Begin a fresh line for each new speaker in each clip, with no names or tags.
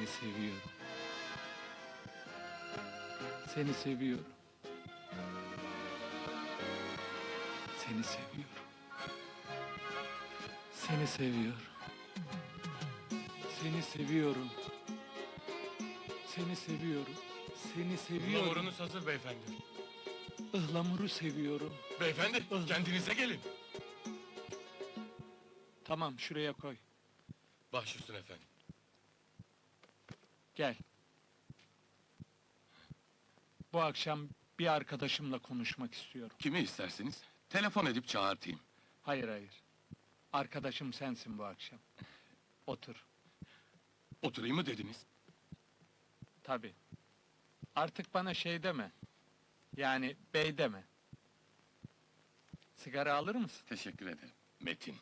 Seni seviyorum. Seni seviyorum. Seni seviyorum. Seni seviyorum. Seni seviyorum. Seni seviyorum. Seni seviyorum.
Ihlamurunuz hazır beyefendi.
Ihlamuru seviyorum.
Beyefendi, kendinize gelin.
Tamam, şuraya koy.
Baş üstüne efendim.
Gel. Bu akşam bir arkadaşımla konuşmak istiyorum.
Kimi isterseniz, telefon edip çağırtayım.
Hayır, hayır. Arkadaşım sensin bu akşam. Otur.
Oturayım mı dediniz?
Tabii. Artık bana şey deme. Yani bey deme. Sigara alır mısın?
Teşekkür ederim. Metin.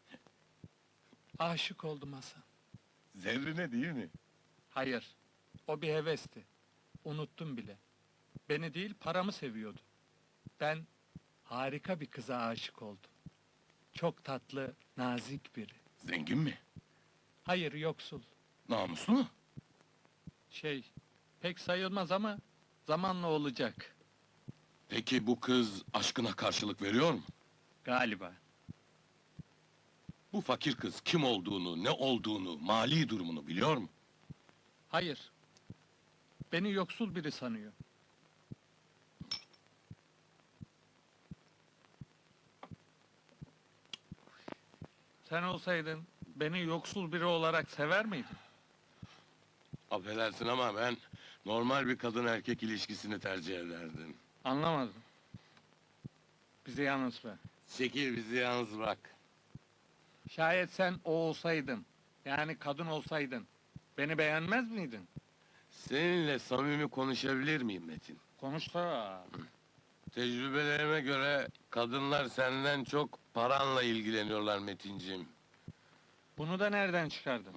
Aşık oldum Hasan.
Zerrine değil mi?
Hayır. O bir hevesti. Unuttum bile. Beni değil, paramı seviyordu. Ben harika bir kıza aşık oldum. Çok tatlı, nazik biri.
Zengin mi?
Hayır, yoksul.
Namuslu mu?
Pek sayılmaz ama zamanla olacak.
Peki bu kız aşkına karşılık veriyor mu?
Galiba.
Bu fakir kız kim olduğunu, ne olduğunu, mali durumunu biliyor mu?
Hayır. Beni yoksul biri sanıyor. Sen olsaydın beni yoksul biri olarak sever miydin?
Affedersin ama ben normal bir kadın erkek ilişkisini tercih ederdim.
Anlamadım. Bizi yalnız bırak.
Çekil bizi yalnız bırak.
Şayet sen o olsaydın, yani kadın olsaydın, beni beğenmez miydin?
Seninle samimi konuşabilir miyim Metin?
Konuş da.
Tecrübelerime göre kadınlar senden çok paranla ilgileniyorlar Metinciğim.
Bunu da nereden çıkardın?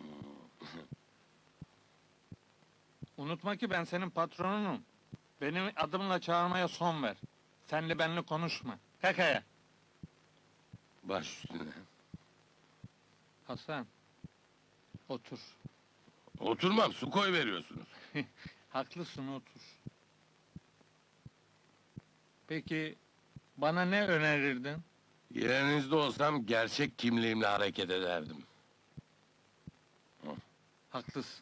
Unutma ki ben senin patronunum. Benim adımla çağırmaya son ver. Senle benle konuşma. Kalk ayağa.
Baş üstüne.
Hasan. Otur.
Oturmam, su koy veriyorsunuz.
Haklısın, otur. Peki, bana ne önerirdin?
Yerinizde olsam gerçek kimliğimle hareket ederdim.
Haklısın.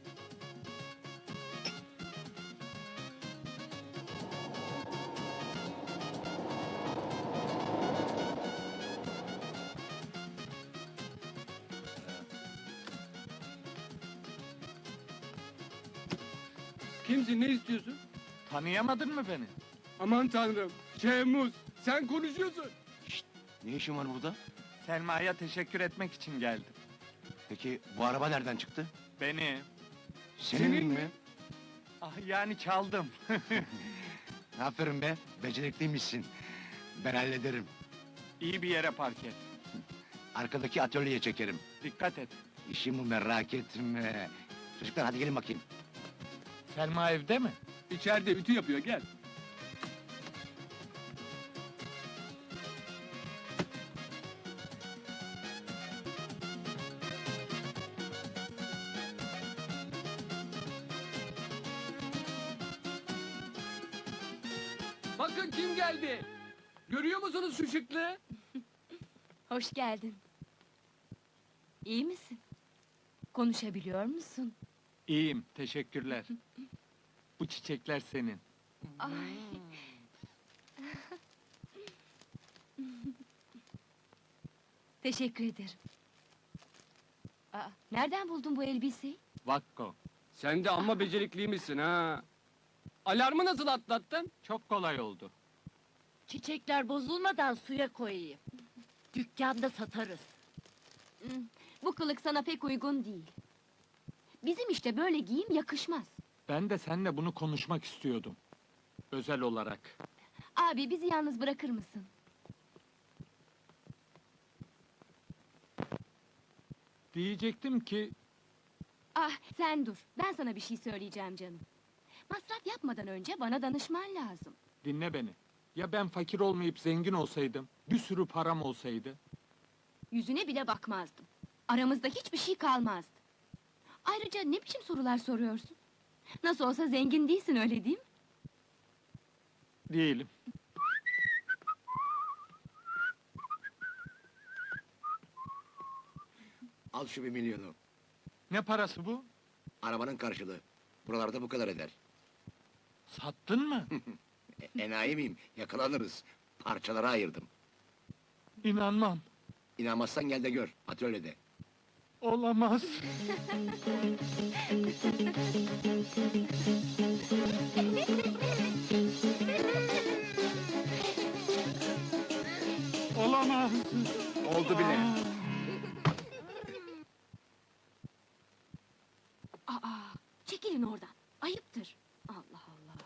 Kimsin, ne istiyorsun?
Tanıyamadın mı beni?
Aman tanrım, Şehmuz, sen konuşuyorsun.
Ne işin var burada?
Selma'ya teşekkür etmek için geldim.
Peki bu araba nereden çıktı?
Beni,
Senin mi?
yani çaldım.
Aferin be, becerikliymişsin. Ben hallederim.
İyi bir yere park et.
Arkadaki atölyeye çekerim.
Dikkat et.
İşimi merak etme. Çocuklar hadi gelin bakayım.
Selma evde mi?
İçeride ütü yapıyor, gel. Bakın kim geldi. Görüyor musunuz şu şıklığı?
Hoş geldin. İyi misin? Konuşabiliyor musun?
İyiyim, teşekkürler. Bu çiçekler senin.
Ay. Teşekkür ederim. Aa, nereden buldun bu elbiseyi?
Vakko.
Sen de amma becerikliymişsin ha. Alarmı nasıl atlattın?
Çok kolay oldu.
Çiçekler bozulmadan suya koyayım. Dükkanda satarız.
Bu kılık sana pek uygun değil. Bizim işte böyle giyim yakışmaz.
Ben de seninle bunu konuşmak istiyordum. Özel olarak.
Abi bizi yalnız bırakır mısın?
Diyecektim ki,
Ah sen dur, ben sana bir şey söyleyeceğim canım. Masraf yapmadan önce bana danışman lazım.
dinle beni. Ya ben fakir olmayıp zengin olsaydım, bir sürü param olsaydı?
Yüzüne bile bakmazdım. Aramızda hiçbir şey kalmazdı. Ayrıca ne biçim sorular soruyorsun? Nasıl olsa zengin değilsin, öyle değil mi?
Değilim.
Al şu 1 milyonu.
Ne parası bu?
Arabanın karşılığı. Buralarda bu kadar eder.
Sattın mı?
Enayi miyim? Yakalanırız. Parçalara ayırdım.
İnanmam.
İnanmazsan gel de gör. Atölyede.
Olamaz. Olamaz.
Oldu bile.
Aa, çekilin oradan. Ayıptır. Allah Allah.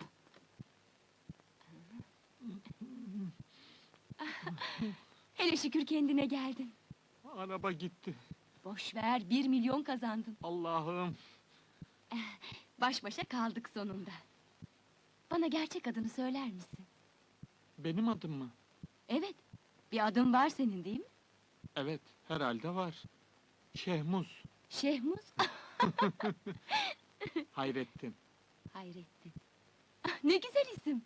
Hele şükür kendine geldin.
Araba gitti.
Boş ver, 1 milyon kazandın.
Allah'ım.
Baş başa kaldık sonunda. Bana gerçek adını söyler misin?
Benim adım mı?
Evet, bir adın var senin değil mi?
Evet, herhalde var. Şehmuz.
Şehmuz.
Hayrettin.
Hayrettin. Ah, ne güzel isim.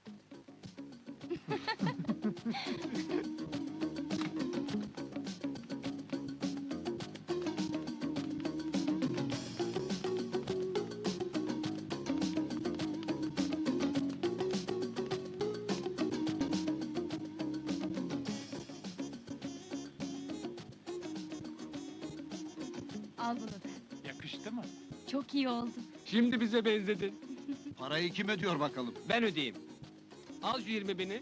Al bunu da.
Yakıştı mı?
Çok iyi oldu.
Şimdi bize benzedin.
Parayı kim ödüyor bakalım?
Ben ödeyeyim. Al şu 20.000'i.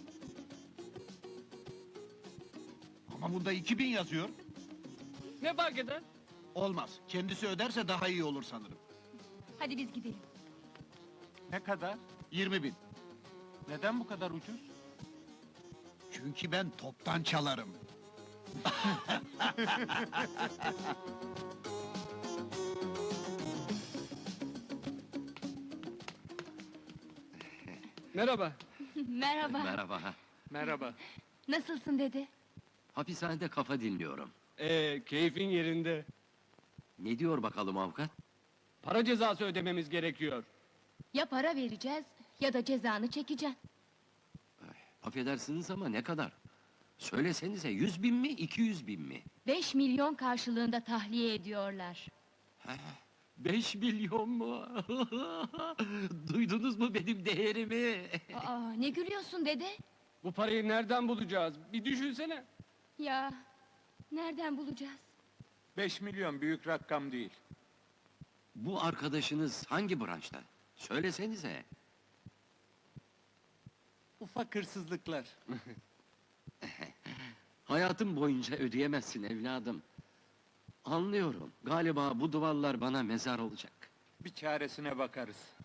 Ama bunda 2000 yazıyor.
Ne fark eder?
Olmaz. Kendisi öderse daha iyi olur sanırım.
Hadi biz gidelim.
Ne kadar?
20.000.
Neden bu kadar ucuz?
Çünkü ben toptan çalarım.
Merhaba.
Merhaba.
Merhaba.
Merhaba.
Nasılsın dede?
Hapishanede kafa dinliyorum.
Keyfin yerinde.
Ne diyor bakalım avukat?
Para cezası ödememiz gerekiyor.
Ya para vereceğiz ya da cezanı çekeceksin.
Affedersiniz ama ne kadar? Söylesenize 100.000 mi 200.000 mi?
5 milyon karşılığında tahliye ediyorlar.
5 milyon mu? Duydunuz mu benim değerimi?
Aa, ne gülüyorsun dede?
Bu parayı nereden bulacağız? Bir düşünsene.
Ya, nereden bulacağız?
5 milyon büyük rakam değil.
Bu arkadaşınız hangi branşta? Söylesenize.
Ufak hırsızlıklar.
Hayatım boyunca ödeyemezsin evladım. Anlıyorum. Galiba bu duvarlar bana mezar olacak.
Bir çaresine bakarız.